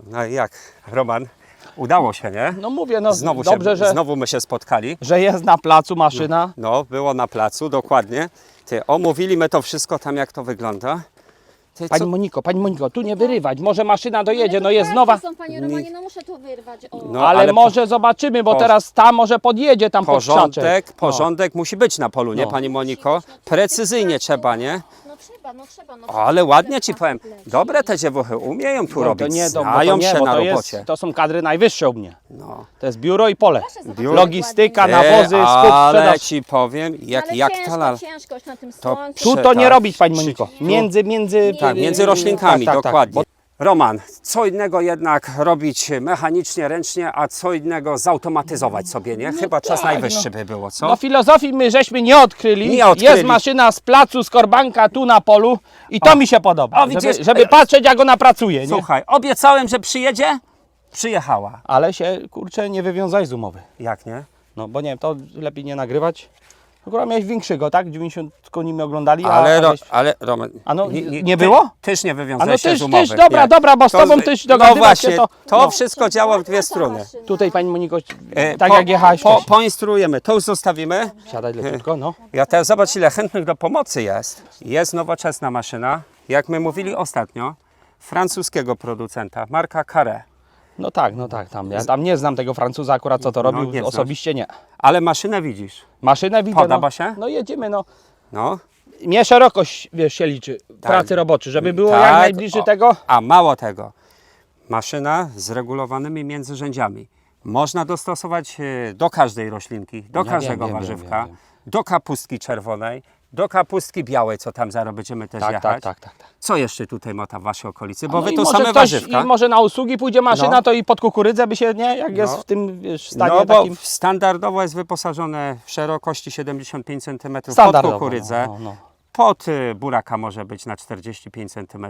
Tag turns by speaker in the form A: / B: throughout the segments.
A: No i jak, Roman? Udało się, nie?
B: No mówię, no
A: Znowu,
B: dobrze,
A: znowu my się spotkali.
B: że jest na placu maszyna.
A: No, było na placu, dokładnie. Ty, omówiliśmy to wszystko tam, jak to wygląda. Ty,
B: Pani Moniko, tu nie wyrywać, może maszyna dojedzie, no jest
C: tak,
B: nowa.
C: Są, panie Romanie, no muszę to wyrwać. O.
A: No,
B: ale może zobaczymy, bo teraz ta może podjedzie tam pod krzaczek.
A: porządek musi być na polu, nie,
B: No.
A: Pani Moniko? Precyzyjnie trzeba, nie?
C: No trzeba. No,
A: O, ale ładnie Ci powiem. Dobre te dziewuchy umieją tu
B: No,
A: robić,
B: to nie,
A: znają się
B: bo
A: na
B: to
A: robocie.
B: to są kadry najwyższe u mnie.
A: No.
B: To jest biuro i pole.
C: zobaczyć,
B: Logistyka,
C: ładnie.
B: nawozy, skup,
A: ale
B: sprzedaż.
A: Ci powiem, jak
C: Ciężkość na tym
A: To
C: słońcu.
B: Tu to
A: tak,
B: nie robić, Pani Moniko. Między
A: Tak, między roślinkami,
B: tak.
A: dokładnie. Roman, co innego jednak robić mechanicznie, ręcznie, a co innego zautomatyzować sobie, nie? Chyba czas najwyższy by było, co?
B: No filozofii my żeśmy nie odkryli.
A: Nie odkryli.
B: Jest maszyna z placu Skorbanka tu na polu i to mi się podoba.
A: O, widzisz?
B: Żeby patrzeć, jak ona pracuje, nie?
A: Słuchaj, obiecałem, że przyjedzie, przyjechała.
B: Ale się, kurczę, nie wywiązaj z umowy.
A: Jak nie?
B: No bo nie wiem, to lepiej nie nagrywać. Akurat miałeś większego, tak? 90 koni mnie oglądali,
A: Ale Roman,
B: A no, nie było?
A: Tyż nie
B: A no
A: wywiązałeś się z umowy.
B: tyż, dobra,
A: Nie.
B: dobra, bo z
A: To
B: tobą tyś
A: No
B: dogadywać
A: właśnie,
B: się
A: to
B: no.
A: wszystko działa w dwie strony.
B: Tutaj Pani Moniko, tak jak jechałaś
A: Poinstruujemy, to już zostawimy.
B: Siadaj leciutko, no.
A: Ja teraz zobacz, ile chętnych do pomocy jest. Jest nowoczesna maszyna, jak my mówili ostatnio, francuskiego producenta, marka Carré.
B: No tak, tam. Ja tam nie znam tego Francuza akurat, co to robił,
A: nie znasz.
B: osobiście nie.
A: Ale maszynę widzisz.
B: Maszynę widzę,
A: Podoba
B: no.
A: się?
B: No jedziemy, no.
A: No.
B: Mnie szerokość, wiesz, się liczy, pracy roboczej, żeby było jak najbliżej tego.
A: A mało tego, maszyna z regulowanymi międzyrzędziami. Można dostosować do każdej roślinki, do każdego warzywka,
B: wiem.
A: do kapustki czerwonej, do kapustki białej, co tam zaraz będziemy też jechać.
B: Tak.
A: Co jeszcze tutaj ma tam w waszej okolicy? Bo
B: No
A: wy
B: i
A: tu
B: może
A: same
B: ktoś,
A: warzywka.
B: I może na usługi pójdzie maszyna,
A: No.
B: to i pod kukurydzę by się, nie? Jak jest
A: No.
B: w tym, wiesz, stanie
A: No bo
B: takim.
A: standardowo jest wyposażone w szerokości 75 cm pod
B: Standardowo,
A: kukurydzę.
B: no.
A: Pod buraka może być na 45 cm,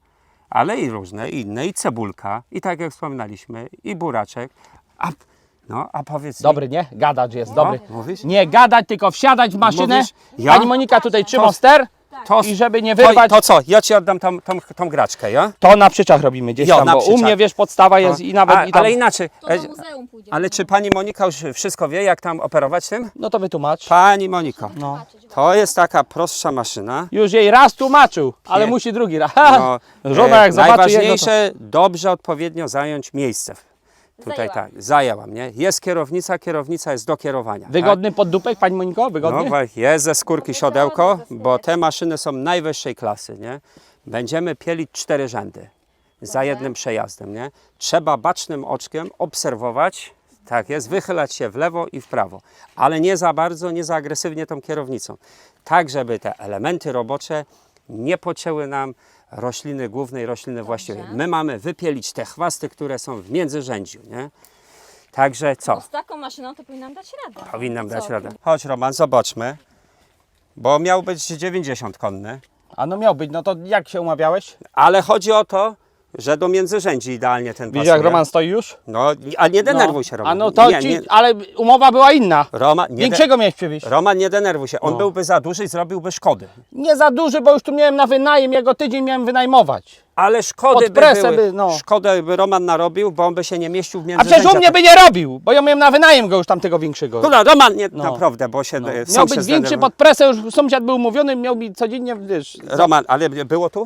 A: ale i różne inne, i cebulka, i tak jak wspominaliśmy, i buraczek. A powiedz mi,
B: Dobry, nie? Gadać jest dobry.
A: mówisz?
B: Nie gadać, tylko wsiadać w maszynę.
A: Mówisz? Ja?
B: Pani Monika tutaj trzyma ster
A: to,
B: i żeby nie wyrwać.
A: to co, ja ci oddam tą graczkę, ja?
B: To na przyczach robimy gdzieś
A: Jo,
B: tam,
A: na
B: bo u
A: przyczach.
B: mnie, wiesz, podstawa jest i nawet i tam.
A: Ale inaczej,
C: To do muzeum pójdzie.
A: ale czy pani Monika już wszystko wie, jak tam operować tym?
B: No to wytłumacz.
A: Pani Moniko,
B: No.
A: to jest taka prostsza maszyna.
B: Już jej raz tłumaczył, ale
A: Nie.
B: musi drugi raz.
A: No,
B: Żona jak zobaczy jego, to...
A: najważniejsze, dobrze, odpowiednio zająć miejsce. Tutaj
C: Zajęłam.
A: tak, zajęłam, nie? Jest kierownica jest do kierowania.
B: Wygodny poddupek, Pani Moniko?
A: Tak?
B: Wygodny?
A: No, jest ze skórki siodełko,
C: ze
A: bo te maszyny są najwyższej klasy, nie? Będziemy pielić 4 rzędy za jednym przejazdem, nie? Trzeba bacznym oczkiem obserwować, tak jest, wychylać się w lewo i w prawo, ale nie za bardzo, nie za agresywnie tą kierownicą. Tak, żeby te elementy robocze nie pocięły nam rośliny głównej, rośliny właściwej. My mamy wypielić te chwasty, które są w międzyrzędziu, nie? Także co?
C: No z taką maszyną to powinnam dać radę.
A: Powinnam
C: Co
A: dać
C: ty?
A: radę. Chodź Roman, zobaczmy. Bo miał być 90 konny.
B: A no miał być, no to jak się umawiałeś?
A: Ale chodzi o to, że do międzyrzędzi idealnie ten
B: Widzisz, jak
A: pasuje.
B: Roman stoi już?
A: No, a nie denerwuj się, Roman.
B: A no to ale umowa była inna. Większego miałeś przywieźć.
A: Roman, nie denerwuj się. On byłby za duży i zrobiłby szkody.
B: Nie za duży, bo już tu miałem na wynajem, jego tydzień miałem wynajmować.
A: Ale szkody
B: Pod
A: by
B: presę
A: były.
B: no.
A: Szkodę by Roman narobił, bo on by się nie mieścił w
B: A
A: międzyrzędziach.
B: przecież u mnie by nie robił, bo ja miałem na wynajem go już tamtego większego.
A: No, Roman, nie,
B: No.
A: naprawdę, bo się
B: Miał
A: sam
B: być
A: się
B: większy
A: zdenerwował.
B: pod presę, już sąsiad był umówiony, miał mi codziennie, wiesz...
A: Roman, ale było tu?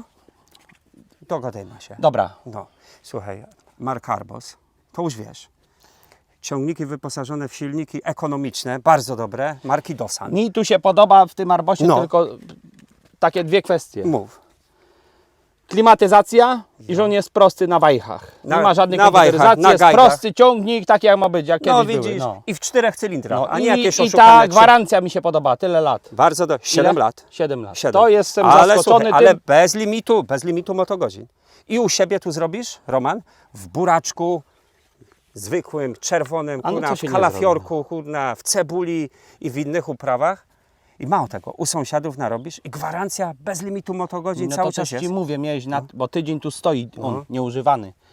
A: Dogadajmy się.
B: Dobra.
A: No, słuchaj, marka Arbos, to już wiesz. Ciągniki wyposażone w silniki ekonomiczne, bardzo dobre, marki Dosan.
B: Mi tu się podoba w tym Arbosie
A: No.
B: tylko takie dwie kwestie.
A: Mów.
B: Klimatyzacja i że on jest prosty na wajchach. Nie
A: Na-
B: ma żadnej
A: na wajchach,
B: komputeryzacji,
A: na
B: jest
A: gajdach.
B: prosty ciągnik, taki jak ma być, jak
A: No
B: kiedyś
A: widzisz,
B: były.
A: i w 4 cylindrach,
B: No.
A: a nie
B: I
A: jakieś
B: ta
A: oszukane trzy.
B: gwarancja mi się podoba, tyle lat.
A: Bardzo do 7
B: Ile?
A: lat.
B: 7 lat.
A: 7.
B: To jestem
A: ale,
B: zaskoczony
A: słuchaj, ale
B: tym.
A: bez limitu motogodzin. I u siebie tu zrobisz, Roman, w buraczku, zwykłym, czerwonym,
B: A no
A: kurna,
B: co
A: w
B: się nie
A: kalafiorku, kurna, w cebuli i w innych uprawach. I mało tego, u sąsiadów narobisz i gwarancja bez limitu motogodzin
B: No
A: cały
B: to
A: czas
B: też
A: jest.
B: Ci mówię, miałeś bo tydzień tu stoi on nieużywany.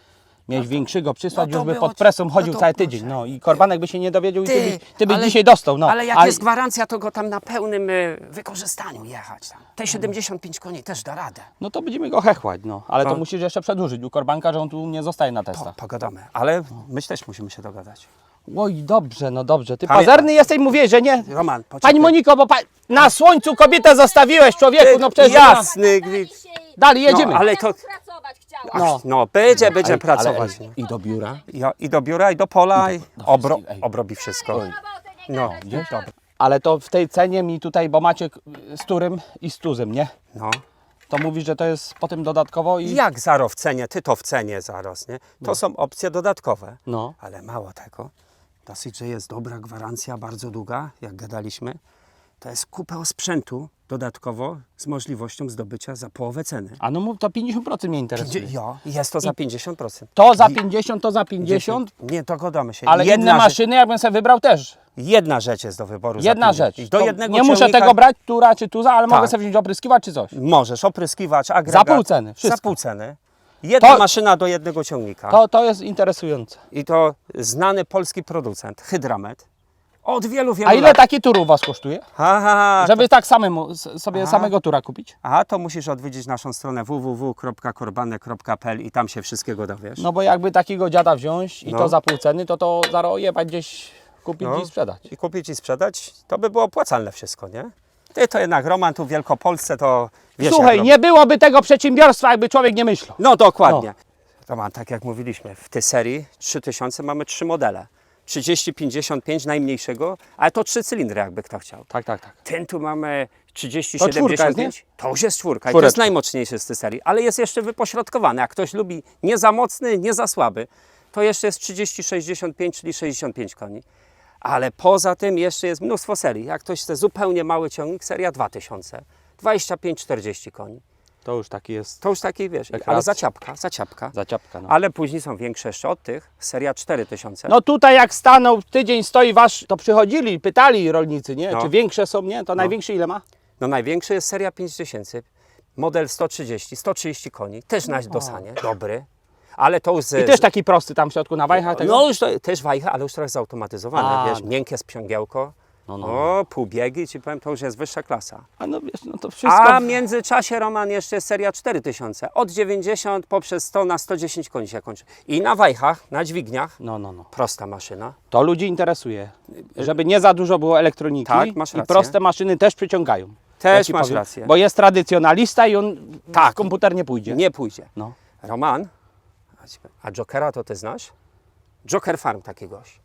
B: Miałeś większego przysłać,
A: no to
B: już by
A: było-
B: pod presą
A: no
B: chodził
A: to
B: cały
A: proszę.
B: tydzień. No i Korbanek by się nie dowiedział i ty byś
A: ale-
B: dzisiaj dostał. No.
A: Ale jak
B: A-
A: jest gwarancja, to go tam na pełnym wykorzystaniu jechać. Tam. Te 75 koni też da radę.
B: No to będziemy go hechłać, no. Ale to
A: No.
B: musisz jeszcze przedłużyć u Korbanka, że on tu nie zostaje na testach.
A: Pogadamy, ale my też musimy się dogadać.
B: Oj, dobrze, no dobrze. Ty
A: Pamię-
B: pazerny jesteś, mówię, że nie.
A: Roman, poczekaj.
B: Pani Moniko, bo na słońcu kobietę zostawiłeś, człowieku, no przecież...
A: Jasny gwint.
B: Dalej jedziemy.
A: No, ale to...
C: pracować chciała.
B: No.
A: No, będzie
B: Ale-
A: pracować.
B: ale- I do biura.
A: I do biura, i do pola, i
B: wszystkich, ej.
A: obrobi wszystko. No, dobra.
B: Ale to w tej cenie mi tutaj, bo macie z Turym i z Tuzem, nie?
A: No.
B: To mówisz, że to jest potem dodatkowo i...
A: Jak zaro w cenie, ty to w cenie zaraz, nie? To są opcje dodatkowe.
B: No.
A: Ale mało tego. Dosyć, że jest dobra gwarancja, bardzo długa, jak gadaliśmy. To jest kupę sprzętu dodatkowo z możliwością zdobycia za połowę ceny.
B: A no mów, to 50% mnie interesuje.
A: Jo, jest to za 50%.
B: To za 50, to za 50,
A: Nie, dogadamy się.
B: ale inne
A: rzecz,
B: maszyny, jakbym sobie wybrał też.
A: jedna rzecz jest do wyboru. za
B: Jedna
A: 50.
B: rzecz.
A: Do
B: To
A: jednego
B: nie muszę
A: ciągnika
B: tego brać, Tura czy Tuza, ale mogę
A: Tak.
B: sobie wziąć opryskiwać czy coś.
A: Możesz, opryskiwacz, agregat.
B: Za pół ceny, wszystko.
A: Za pół ceny. Jedna
B: To-
A: maszyna do jednego ciągnika.
B: To jest interesujące.
A: I to znany polski producent, Hydramet. Od wielu
B: A ile
A: lat.
B: taki tur u Was kosztuje?
A: Aha,
B: Żeby tak samemu, sobie
A: Aha.
B: samego tura kupić?
A: Aha, to musisz odwiedzić naszą stronę www.korbanek.pl i tam się wszystkiego dowiesz.
B: No bo jakby takiego dziada wziąć i
A: No.
B: to za pół ceny, to zaro jebać gdzieś kupić
A: No.
B: i sprzedać.
A: I kupić i sprzedać, to by było opłacalne wszystko, nie? Ty to jednak Roman tu w Wielkopolsce to wiesz jak
B: Słuchaj,
A: robi.
B: nie byłoby tego przedsiębiorstwa, jakby człowiek nie myślał.
A: No dokładnie. Roman, tak jak mówiliśmy, w tej serii 3000 mamy 3 modele. 30, 55 najmniejszego, ale to 3 cylindry jakby kto chciał.
B: Tak, tak, tak.
A: Ten tu mamy 30,
B: To czwórka jest,
A: 75. To już jest czwórka. I to
B: Czwóreczka.
A: jest najmocniejszy z tej serii, ale jest jeszcze wypośrodkowany. Jak ktoś lubi nie za mocny, nie za słaby, to jeszcze jest 30, 65, czyli 65 koni. Ale poza tym jeszcze jest mnóstwo serii. Jak ktoś chce zupełnie mały ciągnik, seria 2000, 25, 40 koni.
B: To już taki jest
A: To już taki, wiesz, ale
B: Rekreacja.
A: zaciapka.
B: zaciapka. No.
A: Ale później są większe jeszcze od tych, seria 4000.
B: No tutaj jak stanął, tydzień stoi wasz, to przychodzili, pytali rolnicy, nie?
A: No.
B: Czy większe są, nie? To największy ile ma?
A: No największy jest seria 5000, model 130 koni, też na dosanie, dobry, ale to już...
B: I też taki prosty tam w środku na wajchach tego?
A: No już to, też wajcha, ale już trochę zautomatyzowane,
B: A,
A: wiesz,
B: no.
A: miękkie sprzęgiełko,
B: No.
A: o, półbiegi, ci powiem, to już jest wyższa klasa.
B: A no wiesz, no to wszystko...
A: A w międzyczasie, Roman, jeszcze jest seria 4000, od 90 poprzez 100 na 110 koni się kończy. I na wajchach, na dźwigniach,
B: No.
A: prosta maszyna.
B: To ludzi interesuje. Żeby nie za dużo było elektroniki
A: Tak, masz
B: i
A: rację.
B: proste maszyny też przyciągają.
A: Też
B: ci
A: masz
B: powiem.
A: rację.
B: Bo jest tradycjonalista i on
A: Tak.
B: w komputer nie pójdzie.
A: Nie pójdzie.
B: No.
A: Roman, a Jokera to ty znasz? Joker Farm taki gość.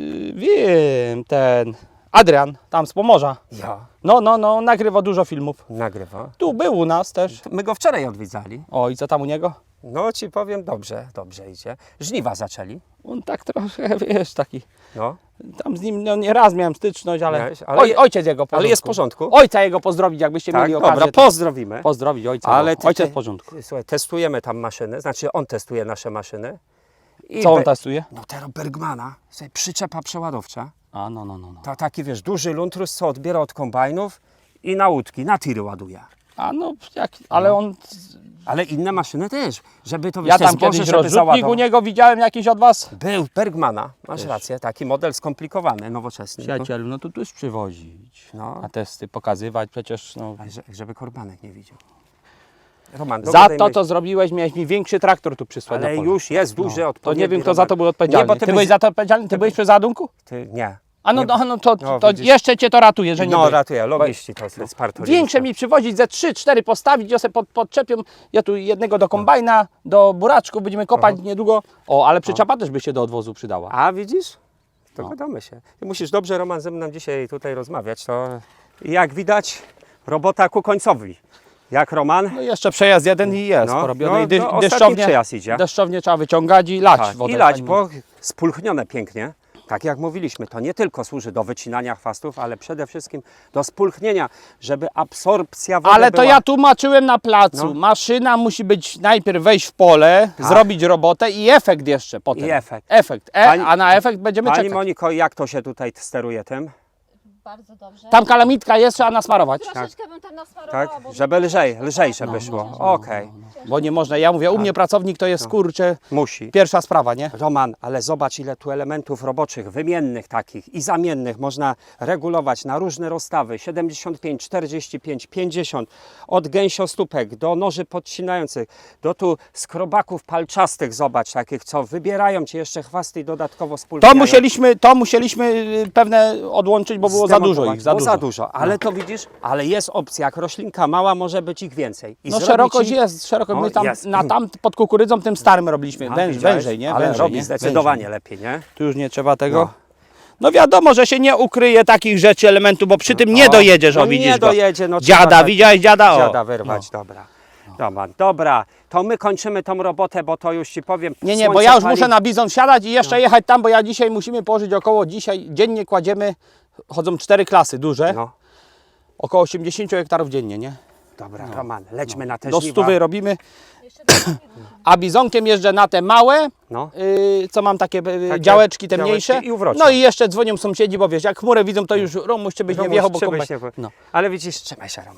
B: Wiem, ten Adrian, tam z Pomorza.
A: Ja.
B: No, nagrywa dużo filmów.
A: Nagrywa.
B: Tu był u nas też.
A: My go wczoraj odwiedzali.
B: O, i co tam u niego?
A: No ci powiem, dobrze idzie. Żniwa zaczęli.
B: On tak trochę, wiesz, taki...
A: No.
B: Tam z nim no, nie raz miałem styczność, ale,
A: Miałeś, ale-
B: ojciec jego w porządku.
A: ale jest w porządku?
B: Ojca jego pozdrowić, jakbyście
A: Tak,
B: mieli okazję.
A: dobra,
B: to
A: pozdrowimy.
B: pozdrowić ojca.
A: Ale
B: Ale ojciec w porządku.
A: Słuchaj, testujemy tam maszyny, znaczy on testuje nasze maszyny. I
B: Co on testuje?
A: No teraz Bergmana, słuchaj, przyczepa przeładowcza.
B: A, no.
A: To taki, wiesz, duży luntrus, co odbiera od kombajnów i na łódki, na tiry ładuje.
B: A no, ale on...
A: Ale inne maszyny też, żeby to, wiesz,
B: Ja
A: te
B: tam
A: zboże,
B: kiedyś
A: żeby
B: rozrzutnik
A: załadować.
B: u niego widziałem jakiś od was.
A: Był Bergmana, masz rację, taki model skomplikowany, nowoczesny.
B: Przyjacielu, no to tu już przywozić.
A: No.
B: Na testy pokazywać, przecież no...
A: Ale żeby Korbanek nie widział. Roman,
B: Za
A: dogadajmy
B: to,
A: się.
B: co zrobiłeś, miałeś mi większy traktor tu przysłać
A: Ale
B: na pole.
A: już jest duży,
B: To
A: odpowiedni.
B: nie wiem, kto za
A: Robert.
B: to był odpowiedzialny.
A: Nie, bo
B: ty byłeś za to odpowiedzialny? Ty byłeś przy załadunku?
A: Nie.
B: A no,
A: Nie.
B: to
A: No,
B: to
A: widzisz.
B: jeszcze cię to ratuje, że nie
A: No
B: byłeś.
A: ratuję, logiści to jest parto.
B: Większe mi przywozić, ze 3-4 postawić, ja sobie podczepią, ja tu jednego do kombajna, do buraczku, będziemy kopać niedługo. O, ale przyczepa też by się do odwozu przydała.
A: A widzisz? To
B: No.
A: gadamy się. Ty musisz dobrze, Roman, ze mną dzisiaj tutaj rozmawiać. To jak widać, robota ku końcowi. Jak Roman?
B: No jeszcze przejazd jeden i jest
A: No,
B: porobiony.
A: no,
B: I
A: no, ostatni przejazd idzie.
B: deszczownie trzeba wyciągać i lać
A: Tak,
B: wodę.
A: i lać,
B: Pani-
A: bo spulchnione pięknie. Tak jak mówiliśmy, to nie tylko służy do wycinania chwastów, ale przede wszystkim do spulchnienia, żeby absorpcja wody
B: Ale to
A: była...
B: ja tłumaczyłem na placu.
A: No.
B: Maszyna musi być najpierw wejść w pole,
A: Tak.
B: zrobić robotę i efekt jeszcze potem.
A: I efekt.
B: Efekt.
A: Pani-
B: A na efekt będziemy
A: Pani
B: czekać.
A: Moniko, jak to się tutaj steruje tym?
C: bardzo dobrze.
B: Tam kalamitka jest, trzeba nasmarować.
C: Troszeczkę bym tam nasmarowała,
A: Tak?
C: bo
A: Żeby lżejsze by szło. Okej.
B: Bo nie można, ja mówię, u mnie pracownik to jest kurczę
A: Musi.
B: pierwsza sprawa, nie?
A: Roman, ale zobacz ile tu elementów roboczych, wymiennych takich i zamiennych można regulować na różne rozstawy. 75, 45, 50. Od gęsiostópek do noży podcinających, do tu skrobaków palczastych, zobacz, takich co wybierają Ci jeszcze chwasty i dodatkowo spulpiają.
B: To musieliśmy pewne odłączyć, bo było za dużo ich, za
A: Było
B: dużo.
A: za dużo, ale to widzisz, ale jest opcja, jak roślinka mała, może być ich więcej. I
B: No
A: zrobić
B: szerokość
A: im-
B: jest, szerokość.
A: O,
B: My tam,
A: jest.
B: pod kukurydzą tym starym robiliśmy,
A: A, widziałeś?
B: wężej, nie?
A: Ale
B: Wężej,
A: robi
B: nie?
A: zdecydowanie
B: Wężej.
A: lepiej, nie?
B: Tu już nie trzeba tego.
A: No.
B: No wiadomo, że się nie ukryje takich rzeczy, elementów, bo przy tym nie dojedziesz,
A: no
B: o widzisz
A: nie
B: go.
A: dojedzie, no trzeba
B: Dziada,
A: tak-
B: widziałeś dziada? O.
A: Dziada wyrwać, dobra. Dobra, to my kończymy tą robotę, bo to już Ci powiem.
B: Nie, bo
A: słońce
B: ja już
A: pali.
B: muszę na bizon wsiadać i jeszcze jechać tam, bo ja dzisiaj musimy położyć dzisiaj dziennie kładziemy, chodzą 4 klasy duże,
A: No,
B: około 80 hektarów dziennie, nie?
A: dobra, Roman, lećmy na te
B: Do
A: żniwa.
B: 100 robimy,
C: jeszcze do
B: a bizonkiem jeżdżę na te małe,
A: No,
B: co mam takie działeczki te mniejsze.
A: działeczki i uwrocze.
B: No i jeszcze dzwonią sąsiedzi, bo wiesz, jak chmurę widzą, to już Romuś cię byś nie
A: Romuś,
B: wjechał, bo
A: trzeba
B: kombajn.
A: się...
B: No.
A: Ale widzisz, trzymaj się, Roman.